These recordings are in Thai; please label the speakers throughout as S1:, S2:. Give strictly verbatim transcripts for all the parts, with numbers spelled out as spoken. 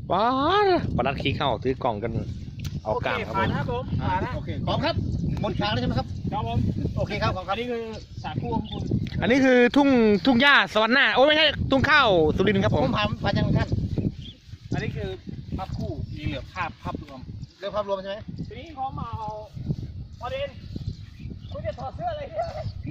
S1: ว้าปลัดขี้เข้าถือกล่องกันเอากล้ามครับผม
S2: ครับผมผ่านนะโอเค
S3: พร้อมครับหมดทางแล้วใช่ไหมครับ
S2: ครับผม
S3: โอเคครับขอบคุณ
S2: อันนี้คือสาคูของคุณ
S1: อันนี้คือทุ่งทุ่งหญ้าสวรรค์หน้าโอ้ไม่ใช่ทุ่งข้าวสุรินทร์ครับ
S3: ผ
S1: ผม
S3: มผ่านผ่านยังท่าน
S2: อันนี้คือภาพคู่มีเหลือภาพภาพรวม
S3: เรื่องภาพรวมใช่ไหม
S2: ทีนี้เขามาเอาประเด็นคุณจะถอดเสื้ออะไรเนี่ย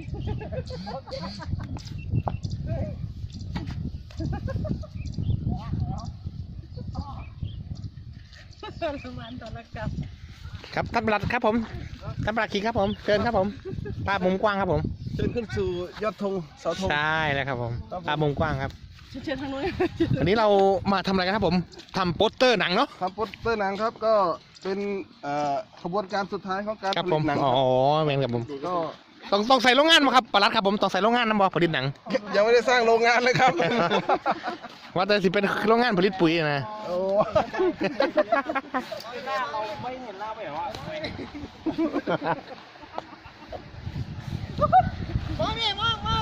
S1: ครับท่านปลัดครับผมท่านปลัดขี้ครับผมเชิญครับผมภาพมุมกว้างครับผม
S3: เชิญขึ้นสู่ยอดธงเสาธง
S1: ใช่แล้วครับผมภาพมุมกว้างครับ
S4: เชิญทางนู้น
S1: วันนี้เรามาทำอะไรกันครับผมทำโปสเตอร์หนังเนาะ
S5: ทำโปสเตอร์หนังครับก็เป็นเอ่อขบวนการสุดท้ายของการ
S1: ครับ
S5: ผ
S1: ผ
S5: ลิ
S1: ม
S5: ตหนัง
S1: อ๋อ
S5: ครับ
S1: แมนครับผม
S5: ก็
S1: ต้องต้องใส่โรงงานมาครับปลัดครับผมต้องใส่โรงงานนะบอผลิตหนัง
S5: ยังไม่ได้สร้างโรงงานเลยครับ
S1: ว่าแต่สิเป็นโรงงานผลิตปุ๋ยนะ
S5: โอ้
S2: หน้าเราไม่เห็นหน้าไปเหรอวะ
S4: มองนี่มองมอง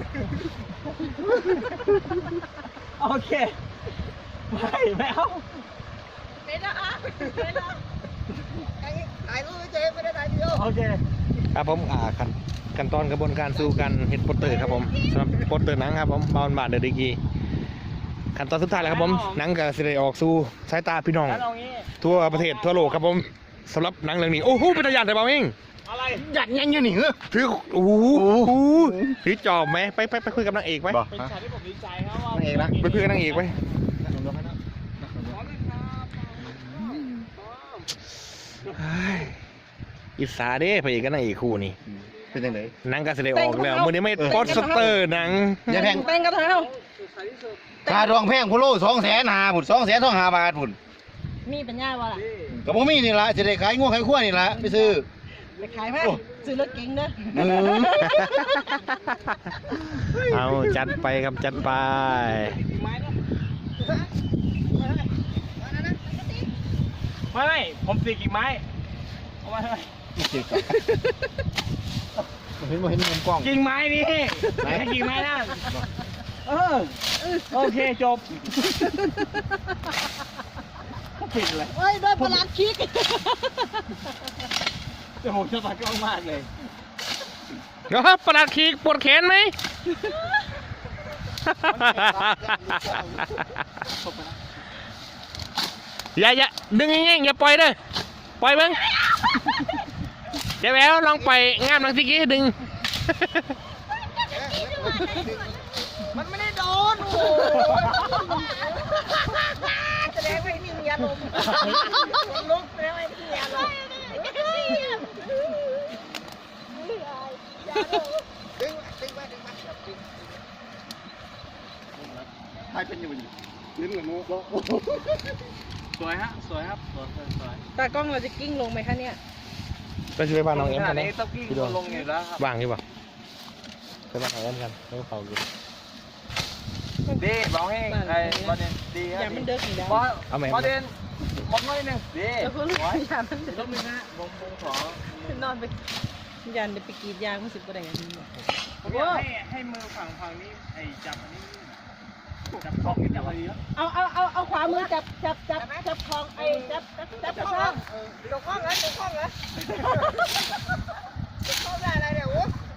S2: โอเคไม่ไม่เอา
S4: เป็นนะอ่ะเป็นนะถ่ายรูปไม่เจ๊ไม่ได้ถ่ายเดียว
S2: โอเค
S1: ครับผมอ่าขั้นขั้นตอนกระบวนการสู่การเฮ็ดโปสเตอร์ครับผมสำหรับโปสเตอร์หนังครับผมบาวน์บาทเดอะดีกีขั้นตอนสุดท้ายแล้วครับผมหนังก็สิได้ออกสู่สายตาพี่น้อง
S2: แล้วเอางี้
S1: ทั่วประเทศทั่วโลกครับผมสำหรับหนังเรื่องนี้โอ้โหเป็นตาหยาดแต่เบาเอง
S2: อะไร
S3: หยัดยังยังหนิเหรอ
S1: ถือโอ้โหถือจอบไหมไปไปไปคุยกับนางเอกไหม
S3: บอก
S2: เป็นฉากที่ผมดีใจครับว่า
S3: นางเอกนะ
S1: ไปคุยกับนางเอกไหมเฮ้ยอิสาเด้พระเอกกับนางเอกคู่นี่
S3: เป็นยังไง
S1: หนังก็สิได้ออกแล้วมื้อนี้ไม่โปสเตอร์หนัง
S3: อย่าแพง
S4: แต่งกระเท้า
S3: ค่าดองแพงพุ่โลสองแสนหาพุ่นสองแสนสองหาบาทพุ่น
S4: มีปัญญาวะล่ะ
S3: กับผมมีนี่ละจะได้ขายง้วขายขั้วนี่ละไปซื้อ
S4: ไปขายไหมซื้อรถเก๋งเด้อ
S3: อืม
S1: เอาจัดไปครับจัดไป
S2: ไม้นะไม่ไม่ผมตีกิ่งไม้เอาไว้ทำไม
S3: เห็นบ่เห็นมุมกล้อง
S2: กิ่งไม้นี่ไม่ใช่กิ่งไม้นั่นเออโอเคจบปิดเลย
S4: เฮ้ยโดนประหลาดคิก
S2: จมูกจะตัดกล้องมากเลย
S1: เดี๋ยวครับประหลัดขีกปวดแขนไหม อย่าอย่าดึงง่ายๆอย่าปล่อยเด้อปล่อยเบิ้งเดี๋ยวแววลองปล่อยงามหลังสิกี้ดึง
S4: มันไม่ได้โดนโอ้โหแสดงว่าไม่มีอารมณ์ลุกแสดงว่าไม่มีอารมณ์
S3: ดึงดึงไปดึงไปดึงใครเป็นอยู่นี่ลิ้นกับมือ
S2: สวยฮะสวยครับสวยสวยสวย
S4: ตากล้องเราจะกิ้งลงไหมคะเนี่ย
S1: ไปช่วยบ้านน้องเอ็ม
S2: ข
S1: กั
S2: นาด
S1: นนะ
S2: นี้ต้องกิ้ง
S1: พี่ดวง
S2: ลงอยู่แล้วครับ
S1: ว่างอยู่ป่ะไปบ้านน้องเอ็มกันแล้วก็เผาอยู่
S2: ดีบอกให้ไอ้ประเด็นดีค
S4: อ
S2: รั
S4: ย่า
S2: บ
S4: มันเดิกอีกแล้ว
S2: ประเด็นบอกหน่อยนึงดี
S4: แล้วก็ลูกยามันเดิ
S2: ต้องมีนะผมผมขอน
S4: อนไปยันเดี๋ยวไปกรีดยางมันสิบกว่าแดง
S2: ผมอยากให้ให้มือฝั่งฝั่งนี้ไอ้จับอันนี้จับข้องนี่จับอะไรเยอะ
S4: เอาเอาเอาเอาขวามือจับจับจับจับคลองไอ้จับจับจับคลองจับคลองเหรอจับคลองเหรอจับคลองได้อะไรเนี่ยโอ้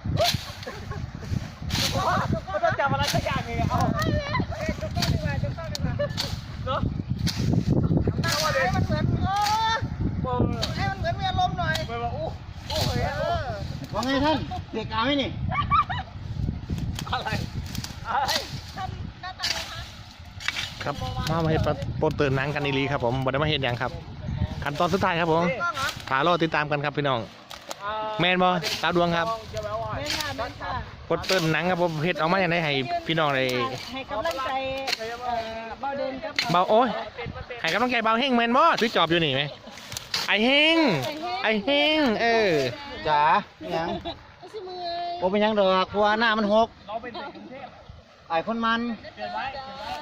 S2: ก็ต้องจับอะไรสักอย่างหนึ่งเอา
S4: จับคลองดีกว่าจับคลองดีกว่า
S2: เนาะ
S4: ให้มันเหมือนเออ
S2: เออ
S4: ให้มันเหมือนมีอารมณ์หน่อย
S2: ไปว่าอู้อู้เฮ้ย
S4: เออ
S3: ว่าไงท่านเด็กเอาไหมนี่
S2: อะไรอะไร
S1: ครับมามาเฮ็ดโปสเตอร์หนังกันอีหลีครับผมบ่ได้มาเฮ็ดหยังครับขั้นตอนสุดท้ายครับผมถารอติดตามกันครับพี่น้องแมนบ่ตาดวงครับ
S2: จะแปลว่า
S4: แม่ค่ะแม่ค่ะ
S1: โปสเตอร์หนังครับผมเฮ็ดออกมาอย่างไรให้พี่น้องได้
S4: ให้กำลังใจเอ่อเบาเดินกับ
S1: เบาโอ้ยให้กำลังใจเบาเฮงแมนบ่ถือจอบอยู่นี่ไหมไอเฮงไอเฮงเออ
S3: จ๋ายังโอ้เป็นยังดอกเพราะว่าหน้ามันหก
S2: เราเป็นเด็กกรุงเทพ
S3: ไอ้คนมัน
S2: เปลี่ยนไว้เปลี่ยนไว้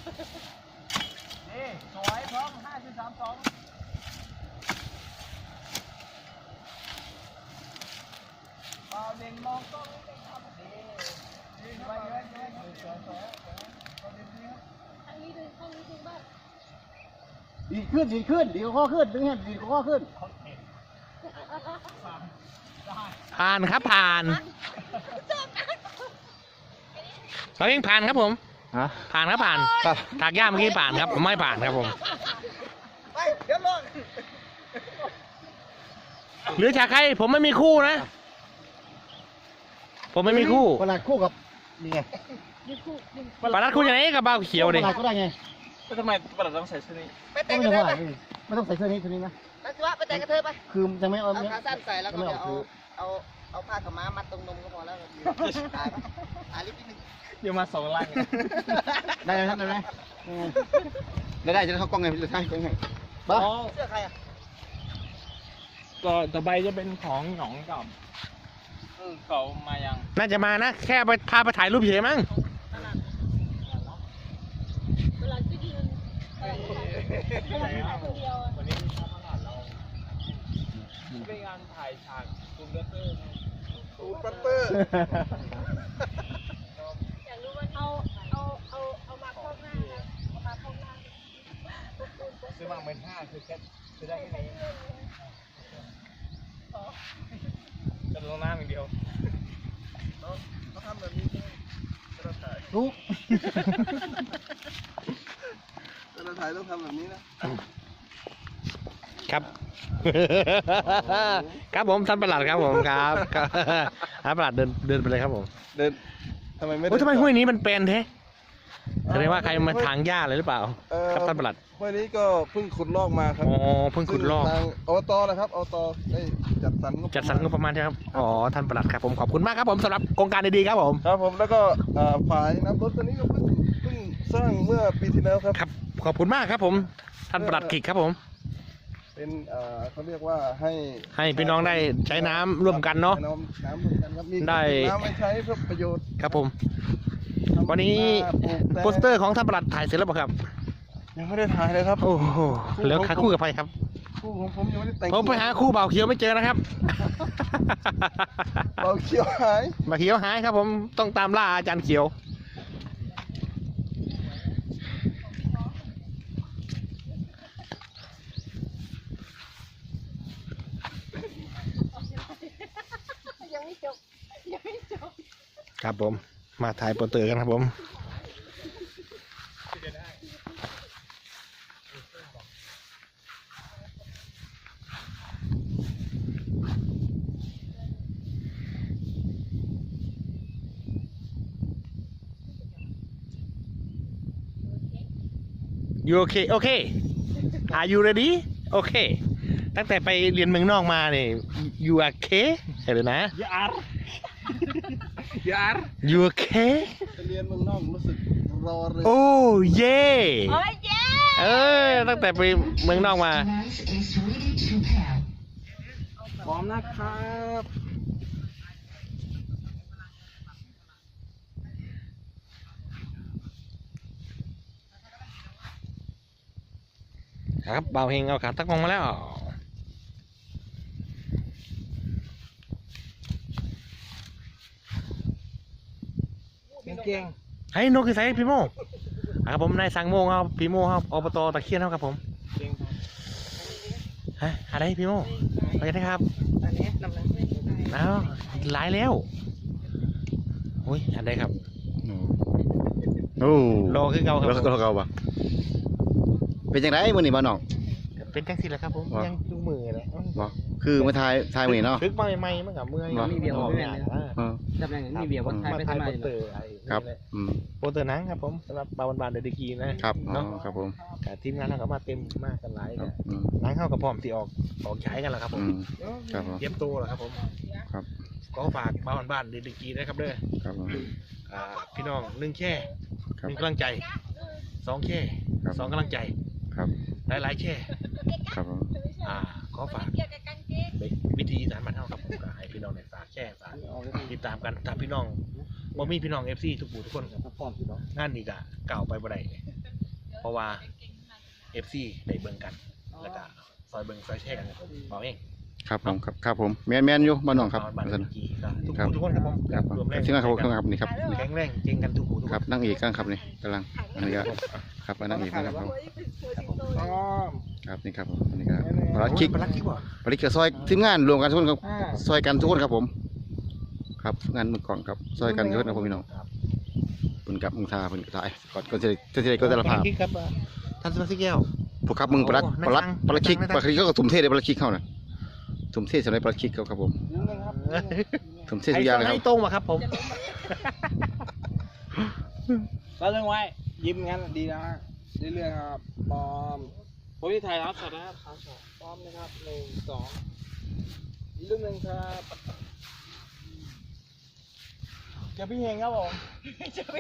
S2: นี่สวยพร้อมห้าจุดสามสองเอาเด่นมองกล้องนี่ครับดีดีไปเยอะเยอะสวยสวยสวยสวยดีครับ
S4: ทางนี้ดึงทางนี้ดึงบ้าง
S3: ดีขึ้นดีขึ้นดีข้อขึ้นดึงแฮนดีข้อขึ้น
S1: ผ่านครับผ่านเราเองผ่านครับผม
S3: ฮะ
S1: ผ่านครับผ่าน
S3: ครับ
S1: ถากหญ้าเมื่อกี้ผ่านครับผมไม่ผ่านครับผม
S4: ไปเดี๋ยวลง
S1: เหลือฉากใครผมไม่มีคู่นะ ผมไม่มีคู่
S3: ประหลาดคู่กับนี่ไง
S1: ปารัดคู่อย่างไหนกับเบาเขียวดิ
S3: ประหลาดก็ได้ไง
S2: แล้วทำไมประหลัดต้องใส่ชุดนี้
S4: ไป
S3: ก็
S4: แต่ง
S3: ไม่
S4: กระ
S3: ได้
S4: เทย
S3: ว่า
S4: ไป
S3: ไม่ต้องใส่เสื้อนี้ตัวนี้นะ
S4: ไปสิวะไปแต่งกระเทยไป
S3: คือจะไม่เอา
S4: เอา
S3: เนี้ย
S4: ขาสั้นใส่แล้วก็เดี๋ยวเอาเอาเอาผ้าขาวม้ามัดตรงนมก็พอแล้วตายตายลิบนิดนึง
S2: เดี๋ยวมาสองลัง
S3: ได้ไหมครับได้ไหมได้ได้จะเข้ากล้องไงจะใช่กล้องไงบ้า
S2: อ๋อ
S4: เสื้อใครอ่ะ
S2: ก็ต่อไปจะเป็นของหนองกับเขามายัง
S1: น่าจะมานะ แค่ไปพาไปถ่ายรูปเฉยมั้ง
S4: เวลาที่ยืนเออคนเดียว
S2: วันนี้ทำงานเราเป็นงานถ่ายฉากตูมเดอร์เตอร์
S5: ตูนปัตเตอร์
S4: อยากรู้ว่าเอาเอาเอาเอามาพอกหน้านะเอามาพอกหน้า
S2: ซื้อมาเมื่อห้าคือแค่ซื้อได้แค่นี้จะลงน้ำอย่างเดียว
S5: เขาทำแบบนี้ใช่ไหมเวลาถ่าย
S3: ทุก
S5: เวลาถ่ายต้องทำแบบนี้นะ
S1: ครับ ครับผมท่านประหลัดครับผมครับครับท่านประหลัดเดินเดินไปเลยครับผม
S5: เดินทำไมไม่
S1: โอ้ยทำไมห้วยนี้มันเป็นแท้แสดงว่าใครมาถางหญ้าเลยหรือเปล่า
S5: เอ่อ
S1: ครับท่านประหลัด
S5: ห้วยนี้ก็เพิ่งขุดลอกมาครับ
S1: อ๋อเพิ่งขุดลอก
S5: ซึ่ทางอบตนะครับอบตได้จัดสรรงบ
S1: จัดสรรงบประมาณใช่ครับอ๋อท่านประหลัดครับผมขอบคุณมากครับผมสำหรับโครงการดีๆครับผม
S5: ครับผมแล้วก็อ่าฝ่ายน้ำรถตัวนี้ก็เพิ่งเพิ่งสร้างเมื่อปีที่แล้วครับ
S1: ครับขอบคุณมากครับผมท่านประหลัดกิจครับผม
S5: เป็นเอ่อเขาเรียกว่าให้
S1: ให้พี่น้องได้ใช้น้ำร่วมกันเนาะ
S5: ให้น้ำน้ำร่วมกันครับมี
S1: ได้
S5: น้ำไม่ใช้เพื่อประโยชน์
S1: ครับผม วันนี้
S5: ปลูกแต่
S1: โปสเตอร์ของท่านประหลัดถ่ายเสร็จแล้วเปล่าครับ
S5: ยังไม่ได้ถ่ายเลยครับ
S1: โอ้โหแล้วหาคู่กับใครครับ
S5: คู่ของผมยังไม่ได้แต่ง
S1: ผมไปหาคู่เบาเขียวไม่เจอนะครับ
S5: เราเขียวหาย
S1: เบาเขียวหายครับผมต้องตามล่าอาจารย์เขียว
S4: ยังไม่จบยังไม่จบ
S1: ครับผมมาถ่ายโปสเตอร์กันครับผมยูโอเคโอเค Are you ready โอเค ตั้งแต่ไปเรียนเมืองนอกมาเนี่ย you okay ใช่เลยนะ
S2: ยาร์ยาร์
S1: you okay
S5: ไปเรียนเมืองนอกรู้สึกรอเลย
S1: โอ้เย่
S4: โอ้ยเย้
S1: เออตั้งแต่ไปเมืองนอกมา
S2: พร้อมนะครับ
S1: ครับเบาเฮงเอาขาตั้งมองมาแล้ว
S2: เก่ง
S1: เฮ้ยนกคือไซพี่โมอ่ะครับผมนายสังโมครับพี่โมครับอบตตะเคียนครับผม
S2: เก่ง
S1: ฮะอะไรพี่โมไปกันนะครับ
S4: อันนี้นำหนัง
S1: อ้าวหลายแล้วโอ้ยอะไรครับ
S3: โอ้
S1: รอคือเก่าครับ
S3: รอ
S1: ผม
S3: คือเก่าปะเป็นยังไงมื้อนี้บ้านน้อง
S1: เป็นจังสิแหละครับผม
S3: วะ
S1: ยังดูมือเลย
S3: บ่คือมาทายทายมื้อนี้เนาะ
S1: ฝึกมาใหม่ๆมันกับเมื่อย
S3: วะ
S1: มีเบียร์ออกงานอ่ะ
S3: เออ
S6: จำได้มีเบียร์ว่าไทย
S1: มา
S6: ไม่
S1: ถ่า
S6: ทำ
S1: ย
S6: ไม
S1: โปสเตอร์ไอ้
S3: ครับ
S1: นี่แหละ
S3: อืม
S1: โปสเตอร์หนังครับผมสำหรับบาวบานเดอะดีกีนะครับ
S3: อ๋อ
S1: เนาะ
S3: ครับผม
S1: แต่ทีมงานเราก็มาเต็มมากกันหลาย
S3: ครับ
S1: เนี่ย
S3: อืม
S1: หนังเข้ากับพร้อมที่ออกออกใช้กันแล้วครับผม
S3: อืมครับผม
S1: เตรียมตัวแล้วครับผม
S3: ครับ
S1: ก็ฝากบ้านบ้านเดลิกีนะครับเด้อ
S3: ครับผม
S1: อ่าพี่น้องหนึ่งแค่
S3: ครั
S1: ห
S3: บ
S1: นึ่งกำลังใจสองแค่
S3: ครับ
S1: สองกำลังใจ
S3: ครับ
S1: หลายหลายๆแค่
S3: ครับผม
S1: อ่าขอฝาก
S4: เกี่ยวกับกางเกง
S1: เป็นวิธีสารมันเท่ากับผมก็ให้พี่น้องในฝากแช่ฝากติดตามกันถ้าพี่น้องบ่มีพี่น้องเอฟซีทุกผู้ทุกคนงานนี้ก็เก่าวไปบ่ได้เพราะว่าเอฟซีได้เบิ่งกันแล้วก็ซอยเบิ่งซอยแช่กันบอกเอง
S3: ครับผมครับครับผมแมนแมนอยู่บ้านน้องครับ
S1: บ้าน
S3: ว่า
S1: เด
S3: ซั่น
S1: ลิกีก็ทุก
S3: ครับ
S1: ผู้ทุกคนครับผม
S3: ครับผม
S1: รวมแรง
S3: ที่นั่นครับครับนี่ครับนี่
S1: แข็งแรงเจงกันทุกผู้ทุก
S3: ค
S1: ค
S3: รับ
S1: น
S3: นั่งอีกข้างครับนี่กำลังอันนี้ก็ครับอันนั่งอีกนะครับผม
S4: หัวสิงโต
S2: พร้อม
S3: ครับนี่ครับผมอันนี้ครับปลัดคิก
S1: ปลัดคิกบ่
S3: ปลัดคิกกับซอยทีมงานรวมกันทุกคนครับซอยกันทุกคนครับผม ครับงานมือกล่องครับซอยกันทุกคนครับผมพี่น้องเพิ่นกับมึงทาเพิ่นก็ถ่ายก่อนก่อนจะจะจะก็จะละภาพ
S1: คิกครับท่านสมาชิกแก้ว
S3: พวกครับมึงปลัดปลัดปลัดคิกปลัดคิกก็ทุ่มเทเลยปลัดคิกเข้าน่ะทุ่มเทสำหรับปลัดคิกครับผมทุ่มเททุกอย่างเลยครับ
S1: ให้ตรงมาครับผม
S2: เราเรื่องไว้ยิ้มงั้นดีนะฮะเรื่อยๆครับปอมผมที่ไทยรับสดนะครับครับปอมนะครับหนึ่งสองอีกรูปหนึ่งครับเจอพี่เฮงครับผมเจอพี่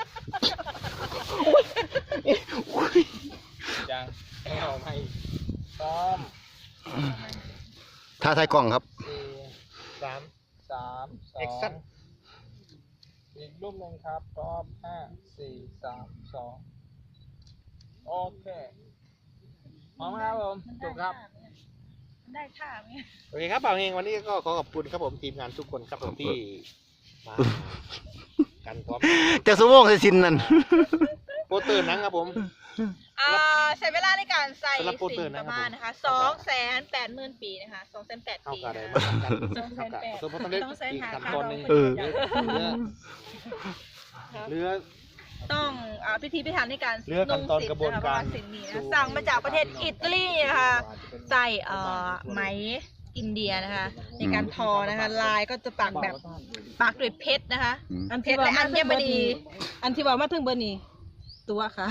S2: จังไม่เอาไม่ปอม
S3: ท่าทายกล้องครับ
S2: สี่สามสามสองอีกรูปหนึ่งครับพร้อมห้าสี่สามสองโอเคพร้อมครับผมจบครับ
S4: ได้ท่าไหม
S1: โอเคครับบ่าวเฮงวันนี้ก็ขอขอบคุณครับผมทีมงานทุกคนครับผมที่มากันพร้อม
S3: เจ้าสมองใส่สินนั่น
S1: โปสเตอร์หนังครับผม
S4: อ่าใช้เวลาในการใส่
S1: สำหรับโปสเตอ
S4: สิ
S1: ร์
S4: น
S1: นะ
S4: ป
S1: ครับ
S4: ระมาณนะคะสองแสนแปดหมื่นปีนะคะสองแสนแปด
S1: เข้า
S4: ปี
S1: กันได้
S4: นะ
S1: มา
S4: คะ
S1: ทำกันเข้ากันสมมติต้องเล่นอีกขั้นตอนหนึ่ง
S3: เออ
S1: เรือเรือ
S4: ต้องอ่าพิธีพิธันในการ
S1: เรื่องขั้นตอนกระบวนการ
S4: สินนี้นะสั่งมาจากประเทศอิตาลีนะคะใส่เอ่อไหมอินเดียนะคะในการทอนะคะลายก็จะปักแบบปักด้วยเพชรนะคะ
S3: อืม
S4: อันเพชรและอัญมณีอันที่ว่ามาถึงเบอร์นี้ตัวค่ะ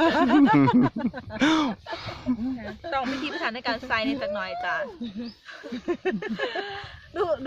S4: ต้องพิธีพิธันในการใส่ในสักหน่อยจ้าดูดู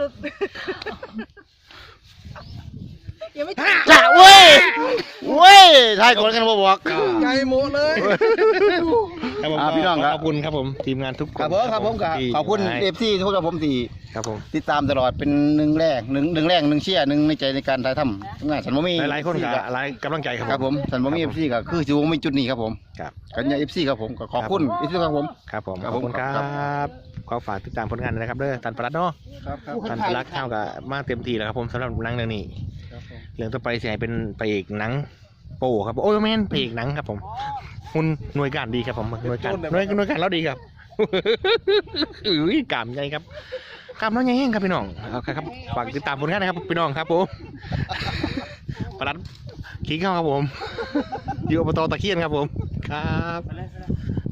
S4: ยังไม่ถึง
S3: จ้าเว้ยเว้ยทายก่อนกันบ่บอก
S5: ไก่หมูเลย
S1: ครับผม
S3: อ่าพี่น้องครับ
S1: ขอบคุณครับผมทีมงานทุกคน
S3: ครับผมครับผมครับ
S1: ที่
S3: ขอบคุณ
S1: ให้
S3: เอฟซีทุกคนครับผมที่
S1: ครับผม
S3: ติดตามตลอดเป็นหนึ่งแรกหนึ่งหนึ่งแรกหนึ่งเชียร์หนึ่งในใจในการถ่ายทำทำงานสันบ่มี
S1: หลายๆคนกับหลายกำลังใจครับ
S3: ครับผมสันบ่มีเอฟซีก็คือสิบ่มีจุดนี้ครับผม
S1: ครับ
S3: กันยาเอฟซีครับผมก็ขอบคุณเอฟซีครับผม
S1: ครับผม
S3: ครับ
S1: ขอบคุณค
S3: ผม
S1: รั
S3: ครับ
S1: บขอฝากติดตามผลงานด้วยนะครับเด้อท่านประหลัดเนาะ
S5: ครับครับ
S1: ท่านประหลัดเท่ากับมาเต็มที่แล้วครับผมสำหรับหนังเรื่องนี้
S5: ครับผม
S1: เรื่องต่อไปเสียเป็นไปอีกหนังโป้ครับโอ้ยแม่นไปอีกหนังครับผมหุ่นหน่วยการดีครับผมหน่วยการหน่วยหน่วยการเราดีครับ อุ้ยกล้ามใหญ่ครับกล้ามน้อยใหญ่แห้งครับพี่น้องเอาครับฝากติดตามผลงานนะครับพี่น้องครับผมประหลัดขี้เข้าครับผมอยู่อบตตะเคียนครับผมครับ